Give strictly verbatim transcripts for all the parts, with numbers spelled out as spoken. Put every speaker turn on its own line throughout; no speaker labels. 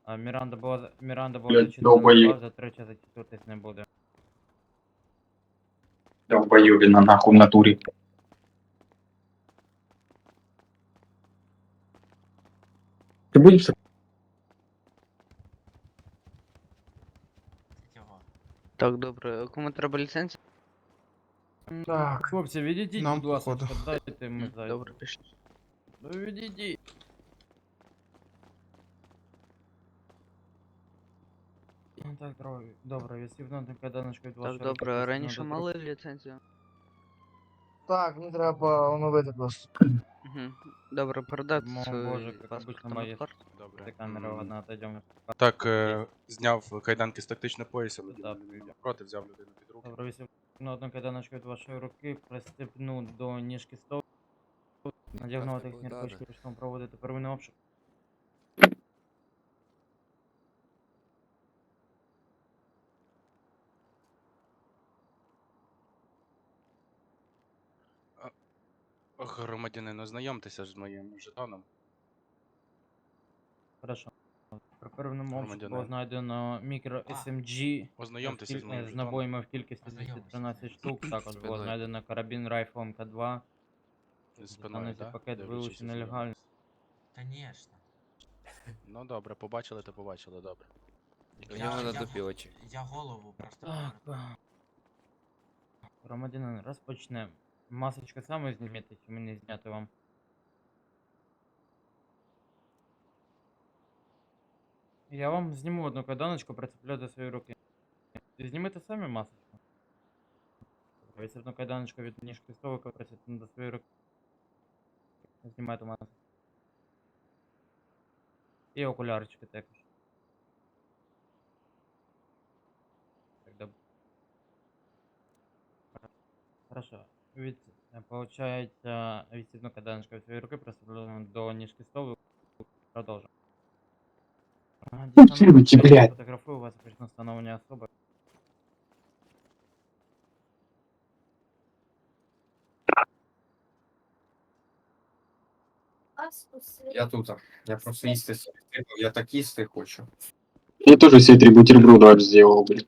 А Міранда була, за- Міранда була
Блядь,
зачитана на
долбоеб.
два, за третє зачитуватись не буде.
Долбоебина нахуй в натуре. Ты будешь?
Так, добре. Кому треба ліцензія?
Так.
Хлопці, відійдіть,
Нам
будь ласка,
походу.
дайте ми
М,
зайдемо.
Добре, пішли.
Ну відійдіть. Ну, Так, добре, добре, відсібно до кайданочку від
Так,
вашої
добре.
руки,
Раніше
відсібно до
мали ліцензію?
Так, мені треба оновити просто.
Угу. Добре, передати
Мов
свій
боже, як
паспорт
обично
на
моє
паспорт.
Добре.
камера,
М,
ладно, отойдемо.
Так, е, зняв кайданки з тактичного пояса,
Так.
людина не йде проти, взяв людину під руки.
Добре, відсібно одну кайданочку від вашої руки, пристебну до ніжки столу, надягну
Так,
технічні
так,
рукавички,
так.
почнемо проводити первинний обшук.
Громадянин, ознайомтеся з моїм жетоном.
Хорошо. При первинному обшуку було
Громадянин.
знайдено мікро ес ем джі
Ознайомтеся з моїм
з
жетоном.
набоями в кількості двісті тринадцять штук. Також було
Спиною.
знайдено карабін Райфл ем ка два.
З спиною,
Дістанеться
так?
пакет вилучений нелегально.
Конечно.
Ну добре, побачили, то побачили, добре.
У нього на дупі очі.
Я голову просто
Так.
повертаю.
Громадянин, розпочнемо. Масочку саме знімете, чи мені зняти вам? Я вам зніму одну кайданочку, прицеплю до своєї руки. Знімете самі масочку? Ось одну кайданочку від ніжки столика прицеплю до своєї руки. Знімайте масочку. І окулярочки також. Так, добре. Хорошо. Від, е, получається, відсібну кайданочку від своєї руки прицеплю до ніжки столу. Продовжуємо.
Фотографируйте, блядь.
Фотографую вас почну встановлення особи.
Я тут. Я просто їсти собі треба, я так їсти хочу.
Я тоже себе три бутерброда аж сделал, блядь.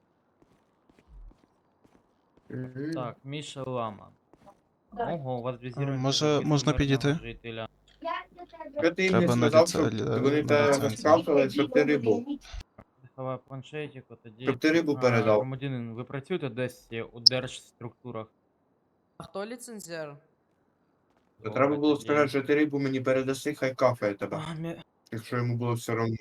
Так, Міша Лама. Ого, у вас візірується
може-
записка
можна
мирного
підійти?
жителя.
Що ти
Треба
мені
на
сказав,
ліце-
щоб
лі-
вони
на
тебе
ліцензію.
розправили, щоб ти рибу.
Заховай планшетику, тоді...
Щоб ти рибу
А,
передав.
Громадянин, ви працюєте десь у держструктурах?
А хто ліцензіар?
То треба було
Тоді-
сказати, що ти рибу мені передаси, хай кафе тебе.
А, Мі-
Якщо йому було все одно.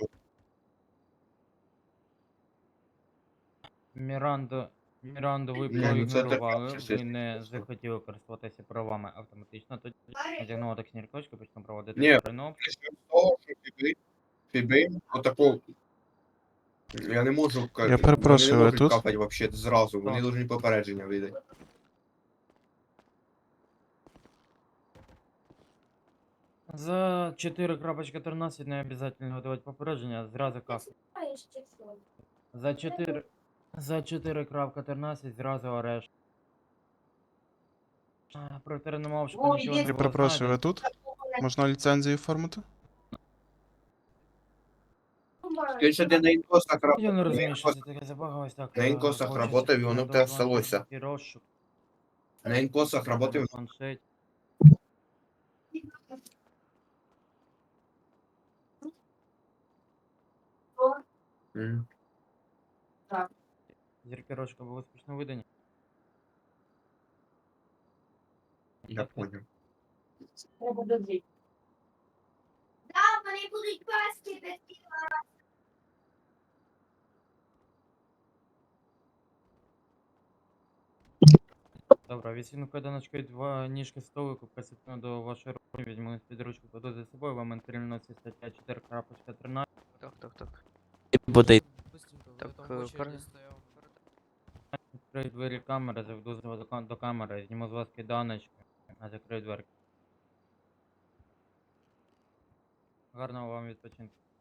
Міранду, Міранду ви
Ні, ну це
проігнорували,
таке,
ви
чесно.
не захотіли користуватися правами автоматично, тоді надягнула таксні рукавички, почнемо проводити
Ні.
первинний обшук.
Почнемо з того, що фіби, фіби, отако. Я не можу ка-
Я перепрошую,
вони
ви
не можуть
тут?
капати вообще зразу, вони
Так.
повинні попередження видати.
За чотири крапочка тринадцять не обов'язково видавати попередження, зразу кафе. За чотири... За чотири крапка тринадцять зразу арешт. А, Про теренному обшуку нічого не
Я
було
перепрошую, ви
знайдено.
тут? Можна ліцензію оформити?
Якщо ти на інкосах
Я не
работав,
розумію, що це таке забагалось так.
на
е,
інкосах
получиться,
работав, і воно в тебе
підготувати
всталося.
такий розшук,
на інкосах работав,
на планшеті.
Мгм.
Зіркерочка були успішно видані.
Я понял.
Добре, відсіну кайданочкою два ніжки столику, присипну до вашої руки, візьму під ручку, кладу за собою, вам інтернеться стаття чотири крапка тринадцять.
Так, так, так.
Быстренько,
Так,
ви там в
е,
очереді
пер-
стояв.
Відкрию двері камери, заведу з вас до кам- до камери, зніму з вас кайданочки, а закрию дверки. Гарного вам відпочинку.